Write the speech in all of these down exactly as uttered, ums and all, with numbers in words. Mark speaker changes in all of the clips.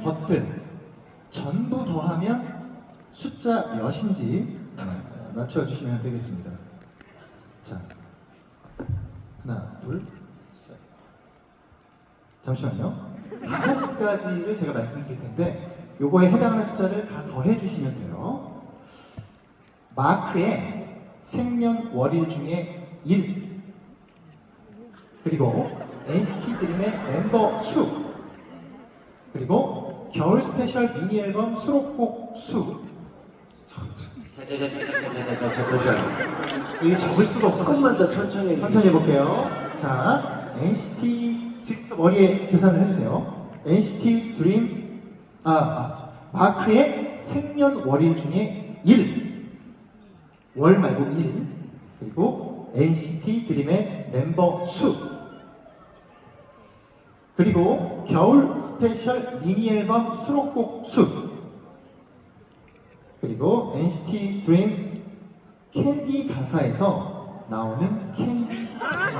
Speaker 1: 것들 전부 더하면 숫자 몇인지 맞춰주시면 되겠습니다. 자, 하나, 둘, 셋. 잠시만요. 다섯 가지를 제가 말씀드릴 텐데 요거에 해당하는 숫자를 다 더해주시면 돼요. 마크의 생년월일 중에 일, 그리고 엔시티 드림의 멤버 수, 그리고 겨울 스페셜 미니 앨범 수록곡 수. 이게 적을 수가 없어서
Speaker 2: 조금만 더 천천히
Speaker 1: 천천히 해볼게요. 자, 엔시티 직접 머리에 계산을 해주세요. 엔시티 드림 아, 아 마크의 생년월일 중에 일, 월 말고 일, 그리고 엔시티 드림의 멤버 수, 그리고 겨울 스페셜 미니 앨범 수록곡 수, 그리고 엔시티 드림 캔디 가사에서 나오는 캔디.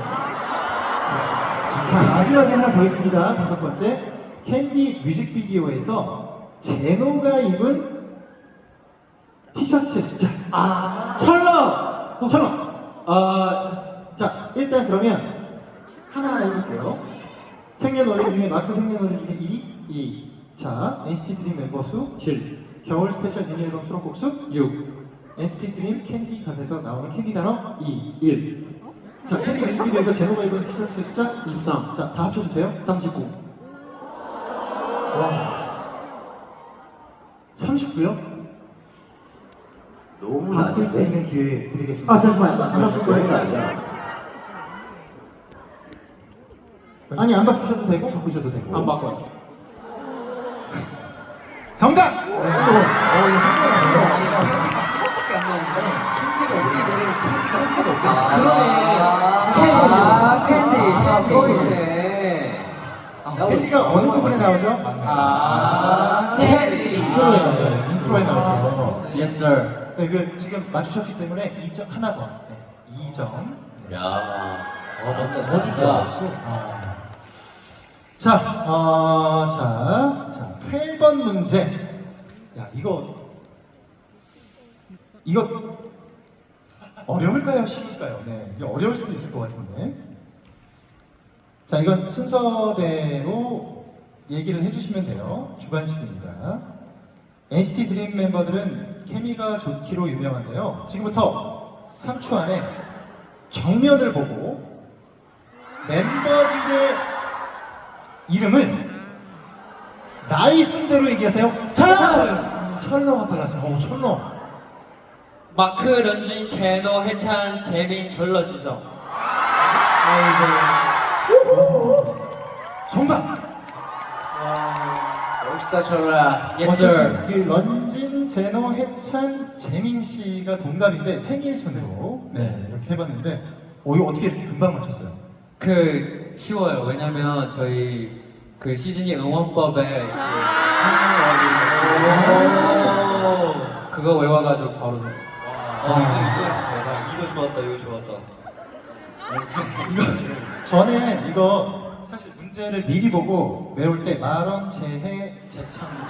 Speaker 1: 자, 마지막에 하나 더 있습니다. 다섯 번째, 캔디 뮤직비디오에서 제노가 입은 티셔츠의 숫자.
Speaker 2: 아 철러
Speaker 1: 천 원.
Speaker 2: 아
Speaker 1: 자, 일단 그러면 하나 해볼게요. 생년월일 중에 마크 생년월일 중에 일이 이. 자, 엔시티 드림 멤버 수
Speaker 2: 칠
Speaker 1: 겨울 스페셜 미니 앨범 수록곡 수
Speaker 2: 육
Speaker 1: 엔시티 드림 캔디 가사에서 나오는 캔디 단어
Speaker 2: 이 일
Speaker 1: 자, 캔디 뮤직비디오에서 제노가 입은 티셔츠의 숫자
Speaker 2: 이십삼
Speaker 1: 자, 다 합쳐주세요.
Speaker 2: 삼십구
Speaker 1: 와, 삼십구요?
Speaker 2: 너무
Speaker 1: 바꿀 수
Speaker 2: 낮은데?
Speaker 1: 있는 기회 드리겠습니다.
Speaker 2: 아 잠시만요
Speaker 1: 안 바꿀
Speaker 2: 너무
Speaker 1: 거예요?
Speaker 2: 낮아
Speaker 1: 아니, 안 바꾸셔도 되고 바꾸셔도 되고.
Speaker 2: 안 바꿔요
Speaker 1: 정답! 네. 어, 이거
Speaker 3: 아, 캔디,
Speaker 2: 아,
Speaker 3: 캔디.
Speaker 2: 보이네
Speaker 1: 캔디가 어느 부분에 나오죠?
Speaker 2: 아
Speaker 3: 캔디.
Speaker 1: 인트로에 나와요. 인트로에 나오죠.
Speaker 2: Yes sir
Speaker 1: 네, 그 지금 맞추셨기 때문에 이 점 하나 더. 네, 이 점.
Speaker 3: 야,
Speaker 2: 어, 나
Speaker 3: 진짜.
Speaker 2: 어디 들어왔어?
Speaker 1: 아. 자, 어, 자, 자, 팔 번 문제. 야, 이거 이거 어려울까요? 쉬울까요? 네, 이게 어려울 수도 있을 것 같은데. 자, 이건 순서대로 얘기를 해주시면 돼요. 주관식입니다. 엔시티 드림 멤버들은 케미가 좋기로 유명한데요. 지금부터 삼 초 안에 정면을 보고 멤버들의 이름을 나이 순대로 얘기하세요.
Speaker 2: 철러!
Speaker 1: 철러가 달랐어요. 오, 철러.
Speaker 2: 마크, 런쥔, 제노, 해찬, 재민, 절러지성
Speaker 1: 정답.
Speaker 3: 멋있다, 철라.
Speaker 2: Yes sir
Speaker 1: 어차피 이 런진, 제노, 해찬, 재민 씨가 동갑인데 생일 순으로 네, 이렇게 해봤는데, 오, 이거 어떻게 이렇게 금방 맞췄어요?
Speaker 4: 그 쉬워요. 왜냐면 저희 그 시즈니 응원법에 그 생일월일 그거 외워가지고 바로.
Speaker 3: 아, 이거 좋았다, 이거 좋았다.
Speaker 1: 이거 저는 이거 사실 문제를 미리 보고 외울 때 만원, 재해, 재천지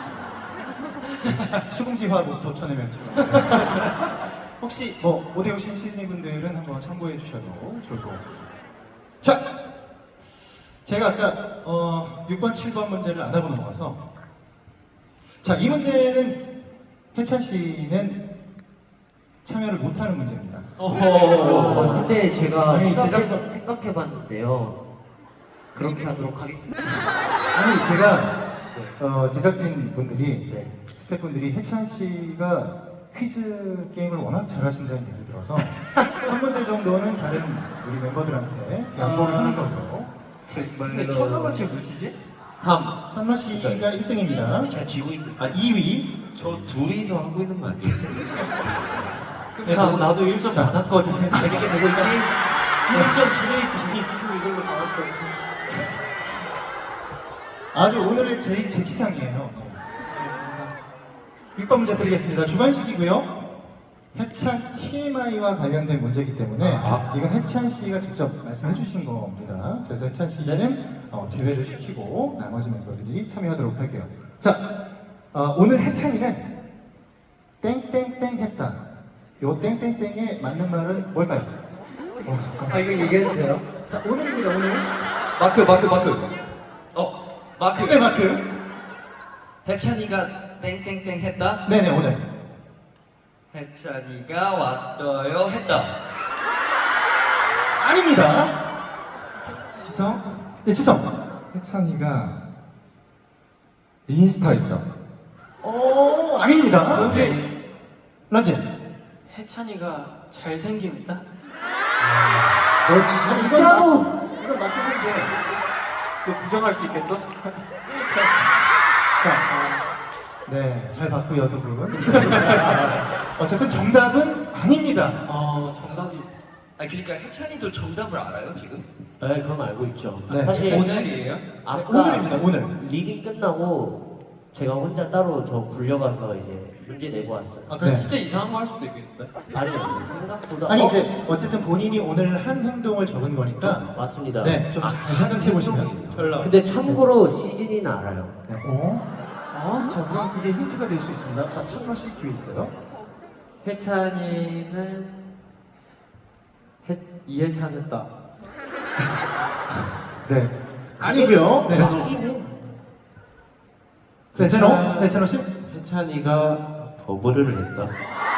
Speaker 1: 수금지화 도천의 명칭. 혹시 뭐 못 외우신 시즈니분들은 한번 참고해 주셔도 좋을 것 같습니다. 자, 제가 아까 어, 육 번, 칠 번 문제를 안 하고 넘어가서, 자, 이 문제는 해찬 씨는 참여를 못하는 문제입니다.
Speaker 3: 어, 근데 제가
Speaker 1: 아니,
Speaker 3: 생각해,
Speaker 1: 제작-
Speaker 3: 생각해봤는데요. 그렇게 하도록 하겠습니다.
Speaker 1: 아니, 제가 어, 제작진 분들이, 네, 스태프분들이 해찬 씨가 퀴즈 게임을 워낙 잘하신다는 얘기를 들어서 한 문제 정도는 다른 우리 멤버들한테 양보를 하는 거죠.
Speaker 3: 근데 철러가 지금 몇이지?
Speaker 4: 삼.
Speaker 1: 찬마 씨가 일 등입니다.
Speaker 3: 제가 지고 있는.
Speaker 1: 아, 이 위.
Speaker 3: 저 둘이서 하고 있는 거 아니겠어요?
Speaker 2: 야, 나도 일 점
Speaker 1: 자.
Speaker 2: 받았거든
Speaker 3: 재밌게 보고 있지?
Speaker 2: 일 점 브레이드 투 이걸로 받았거든
Speaker 1: 아주 오늘의 제일 제 치상이에요. 네. 육 번 문제 드리겠습니다. 주관식이고요. 해찬 티엠아이와 관련된 문제이기 때문에
Speaker 4: 아.
Speaker 1: 이건 해찬 씨가 직접 말씀해 주신 겁니다. 그래서 해찬 씨는 어, 제외를 시키고 나머지 멤버들이 참여하도록 할게요. 자, 어, 오늘 해찬이는 땡땡땡 했다. 요 땡땡땡에 맞는 말은 뭘까요?
Speaker 3: 어 잠깐.
Speaker 4: 아 이거 얘기해도 돼요?
Speaker 1: 자, 오늘입니다. 오늘.
Speaker 2: 마크 마크 마크. 어 마크.
Speaker 1: 네, 마크.
Speaker 2: 해찬이가 땡땡땡 했다.
Speaker 1: 네네, 오늘.
Speaker 2: 해찬이가 왔어요 했다.
Speaker 1: 아닙니다.
Speaker 5: 시성?
Speaker 1: 네, 시성.
Speaker 5: 해찬이가 인스타 있다.
Speaker 1: 오, 아닙니다.
Speaker 2: 런쥔.
Speaker 1: 런쥔.
Speaker 2: 해찬이가 잘생김 있다.
Speaker 1: 너 진짜로? 이건 맞긴 한데.
Speaker 2: 너 부정할 수 있겠어?
Speaker 1: 자, 어, 네, 잘 봤고요, 두 분. 어쨌든 정답은 아닙니다.
Speaker 2: 아 정답이. 아 그러니까 해찬이도 정답을 알아요 지금?
Speaker 3: 네, 그건 알고 있죠.
Speaker 1: 네,
Speaker 3: 사실
Speaker 1: 오늘-
Speaker 4: 오늘이에요?
Speaker 1: 네,
Speaker 3: 아까
Speaker 1: 오늘입니다, 오늘.
Speaker 3: 리딩 끝나고 제가 혼자 따로 저 불려가서 이제 문제 내고 왔어요.
Speaker 4: 아 그럼
Speaker 1: 네.
Speaker 4: 진짜 이상한 거 할 수도 있겠는데?
Speaker 3: 아니요, 생각보다.
Speaker 1: 아니,
Speaker 3: 어?
Speaker 1: 이제, 어쨌든 본인이 오늘 한 행동을 적은 거니까.
Speaker 3: 맞습니다.
Speaker 1: 네, 좀 잘 생각해 보시면.
Speaker 4: 별로.
Speaker 3: 근데 참고로 시즌이는 알아요.
Speaker 1: 네, 어?
Speaker 4: 어?
Speaker 1: 자, 그럼 이게 힌트가 될 수 있습니다. 자, 천만 씨 기회 있어요.
Speaker 4: 해찬이는 해, 이해찬 했다.
Speaker 1: 네. 아니고요. 네.
Speaker 3: 맞긴 해.
Speaker 1: 네, 제노. 네, 제노 씨.
Speaker 6: 해찬이가 버블을 했다.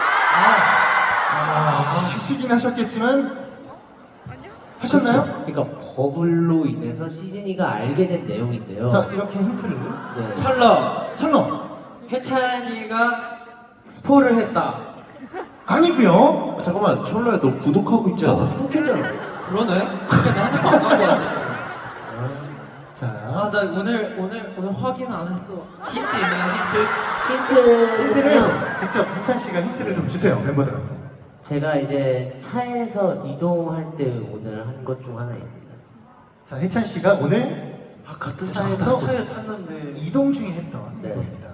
Speaker 1: 아, 하시긴 하셨겠지만. 하셨나요?
Speaker 3: 그러니까 버블로 인해서 시즌이가 알게 된 내용인데요.
Speaker 1: 자, 이렇게 힌트를.
Speaker 3: 네.
Speaker 4: 철러.
Speaker 1: 천로.
Speaker 4: 해찬이가 스포를 했다.
Speaker 1: 아니고요.
Speaker 6: 아, 잠깐만, 철로야, 너 구독하고 있지 않아?
Speaker 3: 구독했잖아.
Speaker 4: 그러네? 근데 나는 안 가고 왔어.
Speaker 1: 자,
Speaker 4: 아, 나 오늘 오늘 오늘 확인 안 했어. 힌트 있나요? 힌트?
Speaker 3: 힌트.
Speaker 1: 힌트를 직접 해찬 씨가 힌트를 좀 주세요, 멤버들한테.
Speaker 3: 제가 이제 차에서 이동할 때 오늘 한 것 중 하나입니다.
Speaker 1: 자, 해찬 씨가 오늘
Speaker 6: 아, 같은
Speaker 1: 차에서
Speaker 2: 차에 탔는데.
Speaker 1: 이동 중에 했던
Speaker 3: 네.
Speaker 1: 행동입니다.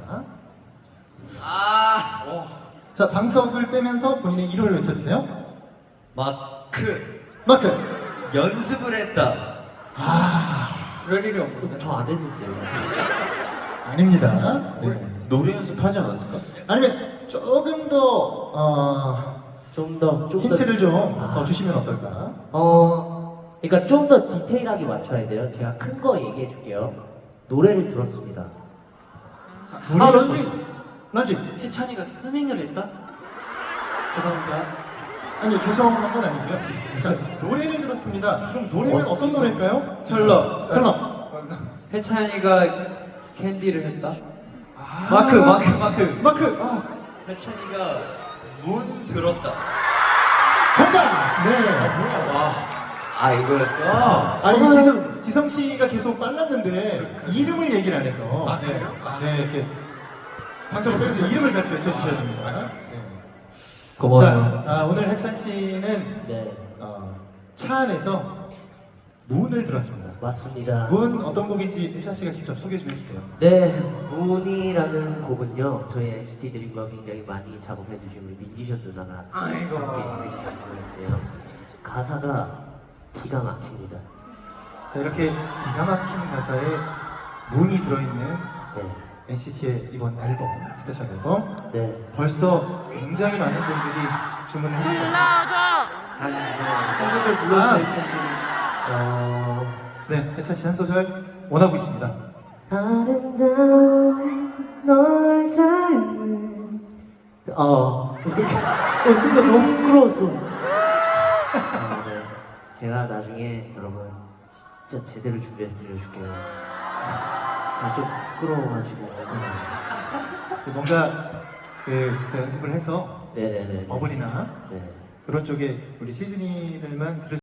Speaker 2: 아.
Speaker 1: 자, 방석을 빼면서 본인의 이름을 외쳐주세요.
Speaker 2: 마크.
Speaker 1: 마크.
Speaker 2: 연습을 했다.
Speaker 4: 그럴 일이 없는데.
Speaker 3: 저 안 했는데요.
Speaker 1: 아닙니다. 네.
Speaker 6: 노래 연습하지 않았을까?
Speaker 1: 아니면 조금 더 어,
Speaker 3: 좀 더, 좀
Speaker 1: 힌트를
Speaker 3: 더.
Speaker 1: 좀 더 주시면 어떨까?
Speaker 3: 어, 그러니까 좀 더 디테일하게 맞춰야 돼요. 제가 큰 거 얘기해 줄게요. 노래를 들었습니다.
Speaker 1: 자,
Speaker 2: 아
Speaker 1: 노래를-
Speaker 2: 런쥔.
Speaker 1: 런쥔.
Speaker 2: 해찬이가 스밍을 했다. 죄송합니다.
Speaker 1: 아니, 죄송한 건 아니고요. 자, 노래를 들었습니다. 그럼 노래는
Speaker 6: 어,
Speaker 1: 어떤 노래일까요?
Speaker 4: 철러.
Speaker 1: 철러.
Speaker 4: 해찬이가 캔디를 했다.
Speaker 1: 아,
Speaker 2: 마크 마크 마크.
Speaker 1: 마크. 아,
Speaker 2: 해찬이가 문 들었다.
Speaker 1: 정답. 네.
Speaker 4: 와. 아 이거였어?
Speaker 1: 아, 이거 지성, 지성 씨가 계속 빨랐는데 이름을 얘기를 안 해서. 네. 네, 이렇게 방송을 빼면서 이름을 같이 외쳐주셔야 됩니다. 네. 자, 아, 오늘 혜찬 씨는
Speaker 3: 네,
Speaker 1: 어, 차 안에서 문을 들었습니다.
Speaker 3: 맞습니다.
Speaker 1: 문 어떤 곡인지 혜찬 씨가 직접 소개 좀 해주세요.
Speaker 3: 네, 문이라는 곡은요, 저희 엔시티 드림과 굉장히 많이 작업해 주신 우리 민지션 누나가
Speaker 4: 아이고.
Speaker 3: 함께 해주신 노래인데요. 가사가 기가 막힙니다.
Speaker 1: 자, 이렇게 기가 막힌 가사에 문이 들어있는
Speaker 3: 네,
Speaker 1: 엔시티의 이번 앨범, 스페셜 앨범.
Speaker 3: 네.
Speaker 1: 벌써 굉장히 많은 분들이 주문을 해주셨습니다.
Speaker 2: 한 소절 불러주세요 해찬 씨.
Speaker 3: 어,
Speaker 1: 네, 혜찬 씨 한 소절 원하고 있습니다.
Speaker 3: 아름다운 널 닮은 어, 어 순간 너무 부끄러웠어. 아, 네. 제가 나중에 여러분 진짜 제대로 준비해서 들려줄게요. 제가 좀 부끄러워가지고.
Speaker 1: 뭔가 그, 그 연습을 해서
Speaker 3: 네네네.
Speaker 1: 버블이나
Speaker 3: 네.
Speaker 1: 그런 쪽에 우리 시즈니들만 들을